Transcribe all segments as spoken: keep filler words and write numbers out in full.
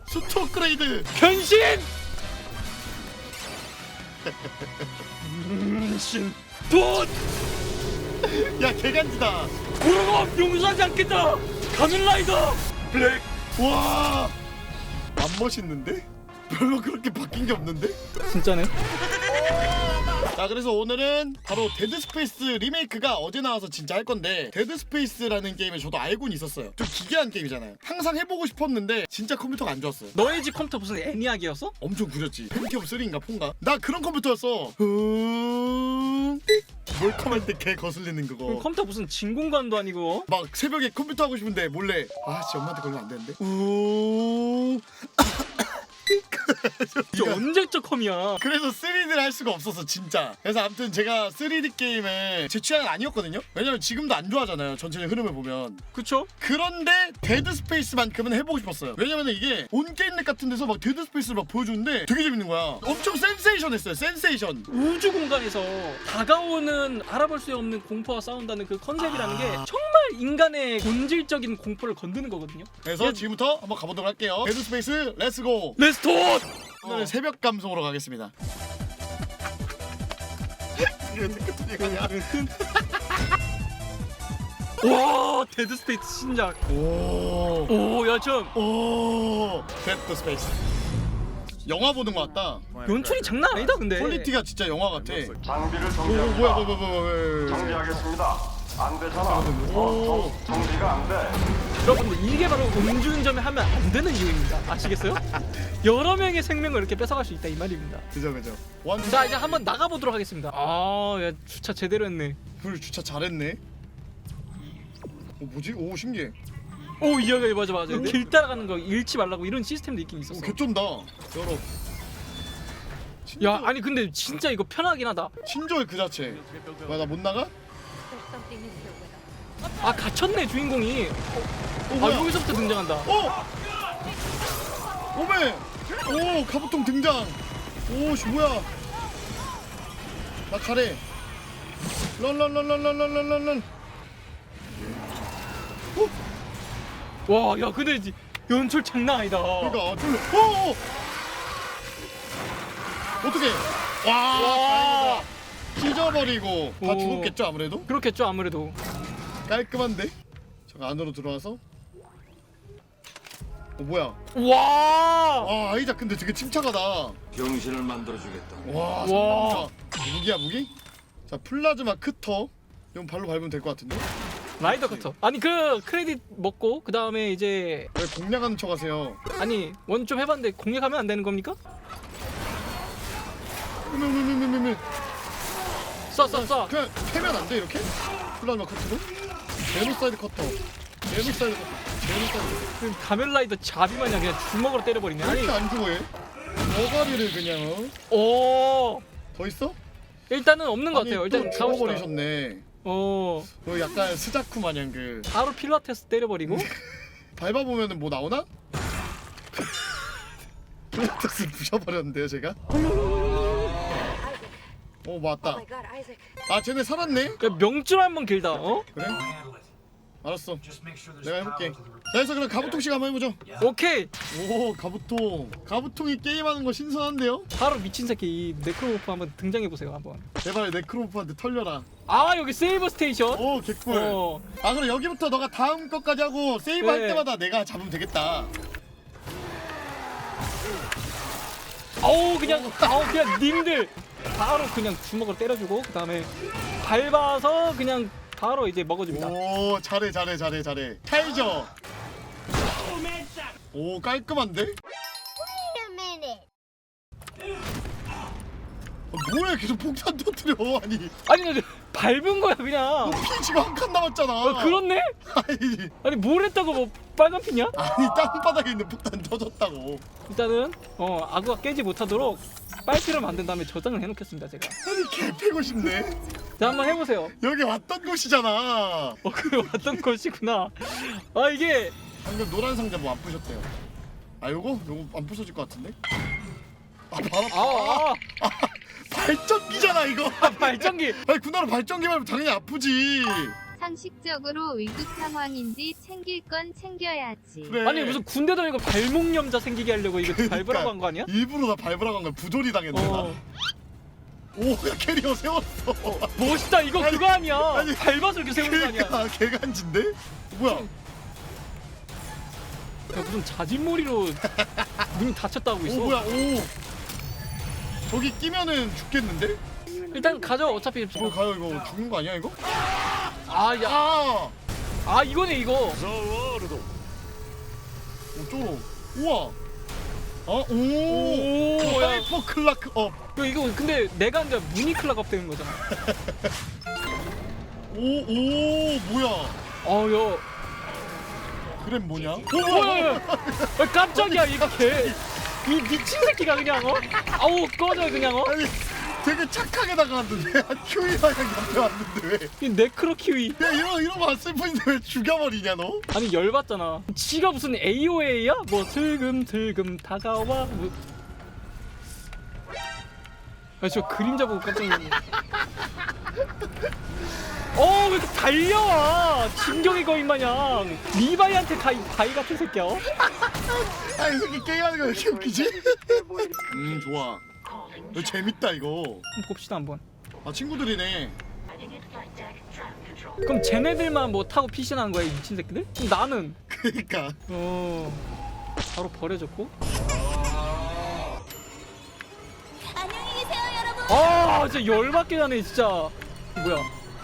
수트 업그레이드. 변신! 변신 돈! 야 개간지다. 고르고 용서하지 않겠다! 가면라이더 블랙! 와. 안 멋있는데? 별로 그렇게 바뀐 게 없는데? 진짜네. 자 그래서 오늘은 바로 데드 스페이스 리메이크가 어제 나와서 진짜 할 건데, 데드 스페이스라는 게임을 저도 알고는 있었어요. 좀 기괴한 게임이잖아요. 항상 해보고 싶었는데 진짜 컴퓨터가 안 좋았어요. 너의 집 컴퓨터 무슨 애니악이었어? 엄청 구렸지. 펜티엄 쓰리인가 폰가? 나 그런 컴퓨터였어. 음... 몰컴할 때 개 거슬리는 그거. 컴퓨터 무슨 진공관도 아니고. 막 새벽에 컴퓨터 하고 싶은데 몰래 아씨 엄마한테 걸리면 안 되는데. 우. 이게 언제적 컴이야. 그래서 쓰리디를 할 수가 없었어 진짜. 그래서 아무튼 제가 쓰리디 게임을 제 취향은 아니었거든요. 왜냐면 지금도 안 좋아하잖아요 전체적 흐름을 보면. 그쵸? 그런데 데드 스페이스만큼은 해보고 싶었어요. 왜냐면 이게 온 게임넷 같은 데서 막 데드 스페이스를 막 보여주는데 되게 재밌는 거야. 엄청 센세이션했어요. 센세이션. 우주 공간에서 다가오는 알아볼 수 없는 공포와 싸운다는 그 컨셉이라는 게 아. 정말 인간의 본질적인 공포를 건드는 거거든요. 그래서 예. 지금부터 한번 가보도록 할게요. 데드 스페이스 렛츠고. 렛츠톤! 오늘은 새벽 감성으로 가겠습니다. 와, 데드 스페이스 신작. 오. 오, 야, 참. 오. 데드 스페이스. 영화 보는 것 같다. 연출이 장난 아니다, 근데. 퀄리티가 진짜 영화 같아. 장비를 오 정지합니다. 뭐야 뭐야 뭐야 뭐야. 정지하겠습니다. 안 되잖아. 오. 어, 정, 정지가 안 돼. 여러분들, 이게 바로 음주운전을 하면 안 되는 이유입니다. 아시겠어요? 여러 명의 생명을 이렇게 뺏어갈 수 있다 이 말입니다. 그죠 그죠. 원. 자, 이제 한번 나가보도록 하겠습니다. 아, 야, 주차 제대로 했네. 불 주차 잘했네. 오 뭐지? 오 신기해. 오, 이야기 맞아 맞아. 길 따라가는 거 잃지 말라고 이런 시스템도 있긴 있었어. 오 개쩐다. 열어. 야, 아니 근데 진짜 이거 편하긴 하다. 친절 그 자체. 뭐야 나 못 나가? There's something in here with us. 아, 갇혔네 주인공이. 오 아, 뭐야? 여기서부터 등장한다. 어! 오메! 오 가부통 등장. 오씨 뭐야? 나 가래. 런런런런런런런런. 와, 야, 근데 이- 연출 장난 아니다. 그러니까 좀. 오! 어떻게? 와! 와. 다행이다. 찢어버리고 다 오. 죽었겠죠 아무래도? 그렇겠죠 아무래도. 깔끔한데? 잠깐 안으로 들어와서. 어 뭐야? 와. 와 아이작 근데 되게 침착하다. 병신을 만들어주겠다. 와, 와. 상남자. 무기야 무기? 자 플라즈마 크터. 이건 발로 밟으면 될 것 같은데? 라이더 커터. 아니 그 크레딧 먹고 그 다음에 이제 왜 공략하는 척하세요? 아니 원 좀 해봤는데 공략하면 안 되는 겁니까? 으으으으으으 쏴 쏴 쏴. 그냥 패면 안 돼 이렇게? 플라즈마 커터로? 제노사이드 커터. 제노사이드 커터. 제노사이드 그 가면라이더 잡이 마냥 그냥 주먹으로 때려버리네. 커터. 왜 아니. 이렇게 안 죽어 얘? 머가리를 그냥 어? 오. 더 있어? 일단은 없는 것 같아요. 아니, 일단 또 가봅시다. 죽어버리셨네. 어. 그 약간 스자쿠 마냥 그 바로 필라테스 때려버리고. 밟아보면은 뭐 나오나? 필라테스 부셔버렸는데요 제가? 오 Oh 맞다. my god, Isaac. 아 쟤네 살았네? 야, 명줄 한번 길다. 어? 그래? 알았어 내가 해볼게. 자 그래서 그럼 가부통씩 한번 해보죠. 오케이. 오 가부통. 가부통이 게임하는 거 신선한데요? 바로 미친 새끼 이 네크로모프 한번 등장해 보세요 한번. 제발 네크로모프한테 털려라. 아, 여기 세이브 스테이션. 오 개꿀. 어. 아 그럼 여기부터 너가 다음 것까지 하고 세이브 할 네. 때마다 내가 잡으면 되겠다. 아우 그냥 아우 그냥 님들 바로 그냥 주먹으로 때려주고 그 다음에 밟아서 그냥 바로 이제 먹어줍니다. 오 잘해 잘해 잘해 잘해. 타이저. 오 깔끔한데? Wait a minute. 아, 뭐야 계속 폭탄 터뜨려. 아니 아니 근데 밟은 거야 그냥. 피 지금 한 칸 남았잖아. 어, 그렇네? 아니 아니 뭘 했다고 뭐 빨간 피냐? 아니 땅바닥에 있는 폭탄 터졌다고. 일단은 어 아구가 깨지 못하도록 빨피를 만든 다음에 저장을 해놓겠습니다 제가. 아니 개 패고 싶네. 자 한번 해보세요. 여기 왔던 곳이잖아. 어 그래 왔던 것이구나. 아 이게 방금 노란 상자 뭐 안 부셨대요. 아 요거? 요거 안 부서질 것 같은데? 아 바로 아, 아, 발전기잖아 이거. 아 발전기. 아니 군나라 발전기 말고 당연히 아프지. 상식적으로 위급 상황인지 챙길 건 챙겨야지. 그래. 아니 무슨 군대 다니고 발목 염자 생기게 하려고 이거 밟으라고 한 거 아니야? 일부러 나 밟으라고 한 거야. 부조리 당했네 나. 어. 오, 야 캐리어 세웠어. 멋있다. 이거 아니, 그거 아니야. 아니, 밟아서 이렇게 세우는 거 아니야. 그러니까 개간지인데? 뭐야? 야, 무슨 자진몰이로 문이 닫혔다고 오 있어. 뭐야? 오. 저기 끼면은 죽겠는데? 일단 가져. 어차피 뭐 가요 이거 죽는 거 아니야 이거? 아, 야. 아. 아, 이거네 이거. 오 쫄어. 우와. 어? 오. 오, 야. 하이퍼 클라크 업. 이거, 이거 근데 내가 이제 무늬 클락업 되는 거잖아. 오, 오, 뭐야? 어, 야. 그램 뭐냐? 오, 뭐야, 야. 아, 깜짝이야 이거 개. 이 미친 새끼가 그냥 어? 아우 꺼져 그냥 어? 아니, 되게 착하게 나가는데 큐이랑 옆에 왔는데 왜? 이 네크로 키위. 야 이런 이런 거안 슬픈데 왜 죽여버리냐 너? 아니 열받잖아. 지가 무슨 에이오에이야? 뭐 슬금슬금 다가와. 뭐. 아, 저 그림자 보고 깜짝 놀랐네. 어, 왜 이렇게 달려와? 진격의 거인 마냥. 리바이한테 가이 바이 같은 새끼야. 어? 아 이 새끼 게임하는 거 왜 이렇게 웃기지? 음 좋아. 이거 재밌다 이거. 한번 봅시다 한번. 아 친구들이네. 그럼 쟤네들만 뭐 타고 피신하는 거야 이 미친 새끼들? 그럼 나는 그러니까. 어 바로 버려졌고. 안녕히 계세요, 여러분. 아 진짜 열받게 하네 진짜. 뭐야?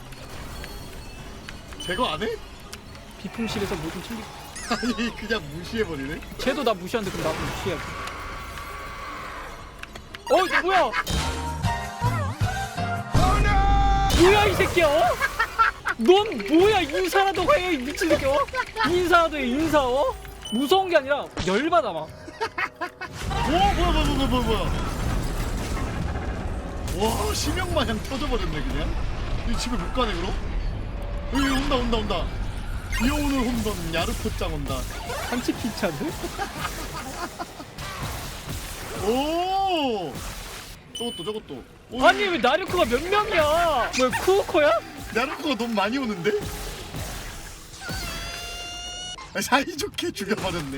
제거 안 해? 비품실에서 뭐 좀 챙기. 아니 그냥 무시해버리네. 쟤도 나 무시하는데 그럼 나도 무시해야지. 어 이거 뭐야? 뭐야 이 새끼야? 어? 넌 뭐야 인사라도 해 이 미친 새끼 어? 인사라도 해 인사 어? 무서운 게 아니라 열받아 막. 오 뭐야 뭐야 뭐야 뭐야 뭐야. 와 심형 마냥 터져버렸네 그냥. 이 집에 못 가네 그럼? 여기 온다 온다 온다. 비오는 홈런 야르포짱 온다. 한치 피차인데? 오. 저것도 저것도. 오, 아니 왜 나르코가 몇 명이야? 뭐야 쿠우코야? 야르코가 너무 많이 오는데? 아, 사이좋게 죽여버렸네.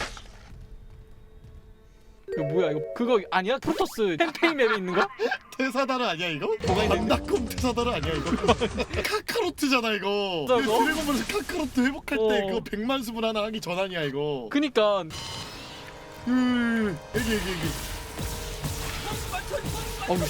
이거 뭐야 이거 그거 아니야? 프로토스 캠페인 맵에 있는 거? 테사다르 아니야 이거? 뭐가 있는데? 반다콤 테사다르 아니야 이거? 카카로트잖아 이거. 뭐라고? 이거 드래곤볼에서 카카로트 회복할 때 어. 그거 백만 수분 하나 하기 전 아니야 이거. 그니까 음, 여기 여기 여기. 어우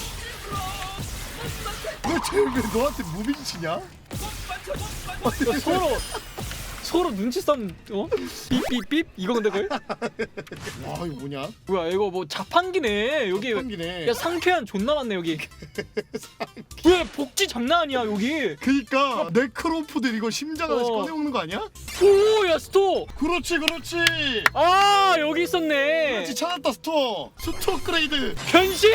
너쟤왜 너한테 무빙 치냐? 이거 서로 서로 눈치 싸움 어? 삐삐삐 이거 근데 그걸? 와 이거 뭐냐? 뭐야 이거 뭐 자판기네 여기. 한기네. 야 상쾌한 존나 많네 여기. 왜 복지 장난 아니야 여기. 그니까 네크로포들 이거 심장 하나씩 어. 꺼내 먹는 거 아니야? 오야 스토어. 그렇지 그렇지. 아 여기 있었네. 그렇지 찾았다 스토어. 스토어 업그레이드. 변신.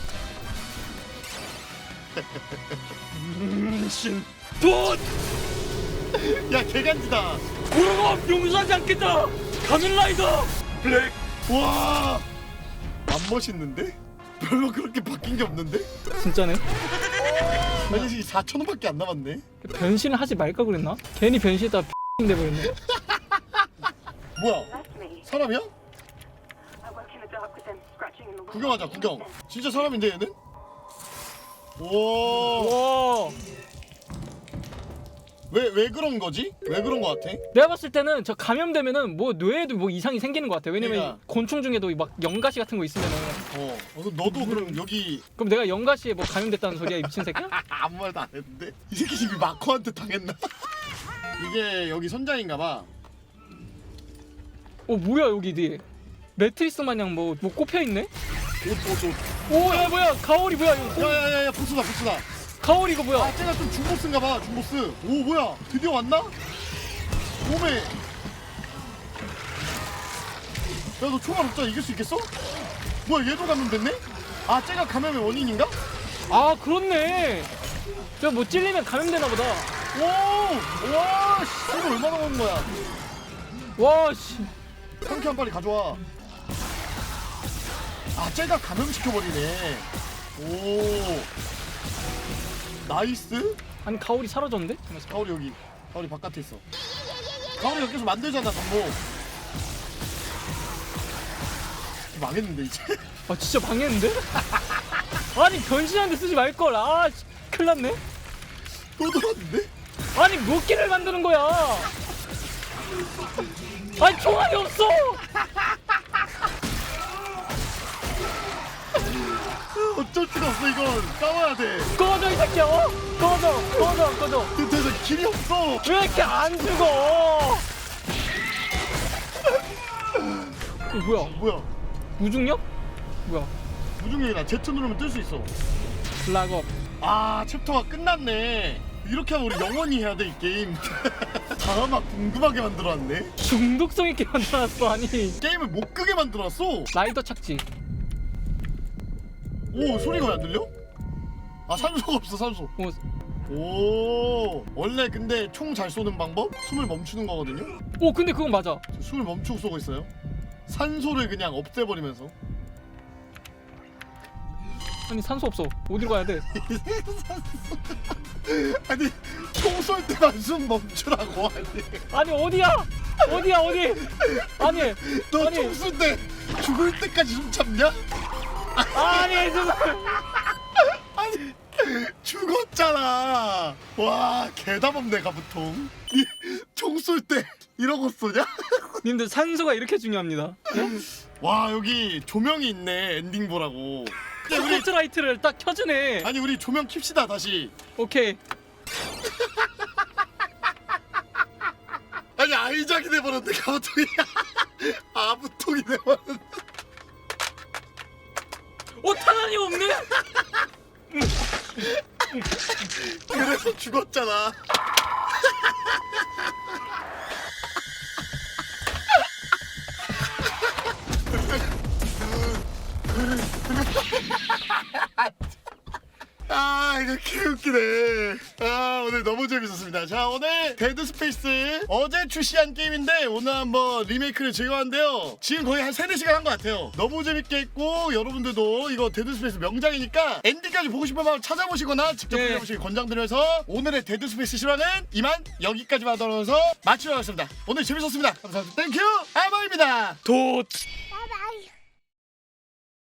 신. 돈. 야 개간지다. 우르고 용서하지 않겠다. 가면라이더 블랙. 와. 안 멋있는데? 별로 그렇게 바뀐 게 없는데? 진짜네. 아니 사천 원밖에 안 남았네. 변신을 하지 말까 그랬나? 괜히 변신했다가 X 돼버렸네. 뭐야? 사람이야? 구경하자 구경. 진짜 사람인데 얘는? 오. 와. 왜 왜 그런 거지? 왜 그런 거 같아? 내가 봤을 때는 저 감염되면은 뭐 뇌에도 뭐 이상이 생기는 것 같아. 왜냐면 그러니까. 곤충 중에도 막 연가시 같은 거 있으면은. 어. 어 그럼 너도 그럼 여기 그럼 내가 연가시에 뭐 감염됐다는 소리야 이 미친 새끼야? 아무 말도 안 했는데? 이 새끼 지금 마커한테 당했나? 이게 여기 선장인가봐. 어 뭐야 여기 뒤에 매트리스 마냥 뭐 뭐 꼽혀 있네? 옷옷 옷. 오야 뭐야 가오리 뭐야 이거? 야야야야 보스다 보스다. 가오리 이거 뭐야? 아 쟤가 좀 중보스인가봐 중보스. 오 뭐야 드디어 왔나? 오메. 야너 총알 없잖아 이길 수 있겠어? 뭐야 얘도 감염됐네? 아 쟤가 감염의 원인인가? 아 그렇네. 저 뭐 찔리면 감염되나 보다. 오! 와 씨, 이거 얼마나 먹은 거야? 와 씨. 상쾌한 빨리 가져와. 아 쟤가 감염시켜버리네. 오 나이스. 아니 가오리 사라졌는데? 잠깐만. 가오리 여기. 가오리 바깥에 있어. 가오리 여기서 만들잖아 전복. 망했는데 이제. 아 진짜 방했는데? 아니 변신하는데 쓰지 말걸. 아 씨, 큰일 났네. 또 들어왔는데? 아니 몇 개를 만드는 거야? 아니 총알이 없어. 어쩔 수가 없어 이건. 싸워야 돼. 꺼져 이 새끼야. 어? 꺼져 꺼져 꺼져. 근데서 길이 없어. 왜 이렇게 안 죽어? 이거 뭐야? 뭐야? 무중력? 뭐야? 무중력이다. Z 누르면 뜰 수 있어. 락업. 아 챕터가 끝났네. 이렇게 하면 우리 영원히 해야 돼 이 게임. 다 막 궁금하게 만들어놨네. 중독성 있게 만들어놨어. 아니 게임을 못 끄게 만들어놨어. 라이더 착지. 오 소리가 왜 안 들려? 아 산소가 없어 산소. 어, 오 원래 근데 총 잘 쏘는 방법? 숨을 멈추는 거거든요. 오 근데 그건 맞아. 숨을 멈추고 쏘고 있어요. 산소를 그냥 없애버리면서. 아니 산소 없어. 어디로 가야 돼? 아니 총 쏠 때만 숨 멈추라고. 아니 아니 어디야? 어디야 어디? 아니 너 아니. 총 쏠 때 죽을 때까지 숨 참냐? 아니 정말. 아니 죽었잖아. 와 개담 없네 가부통. 총 쏠 때 이러고 쏘냐? 님들 산소가 이렇게 중요합니다. 와 여기 조명이 있네. 엔딩 보라고. 야, 우리 스포트라이트를 딱 켜주네. 아니 우리 조명 킵시다 다시. 오케이. 아니 아이작이 돼버렸네 가부통이. 아부통이 돼버렸네. 어 탄환이 없네. 그래서 죽었잖아. 아 이거 개웃기네. 아 오늘 너무 재밌었습니다. 자 오늘 데드 스페이스 어제 출시한 게임인데 오늘 한번 리메이크를 즐겨봤는데요. 지금 거의 한 세네 시간 한 것 같아요. 너무 재밌게 했고 여러분들도 이거 데드 스페이스 명작이니까 엔딩까지 보고 싶으면 찾아보시거나 직접 네. 플레이해보시길 권장드려서 오늘의 데드 스페이스 실화는 이만 여기까지만 하면서 마치도록 하겠습니다. 오늘 재밌었습니다. 감사합니다. 땡큐 아마입니다. 도.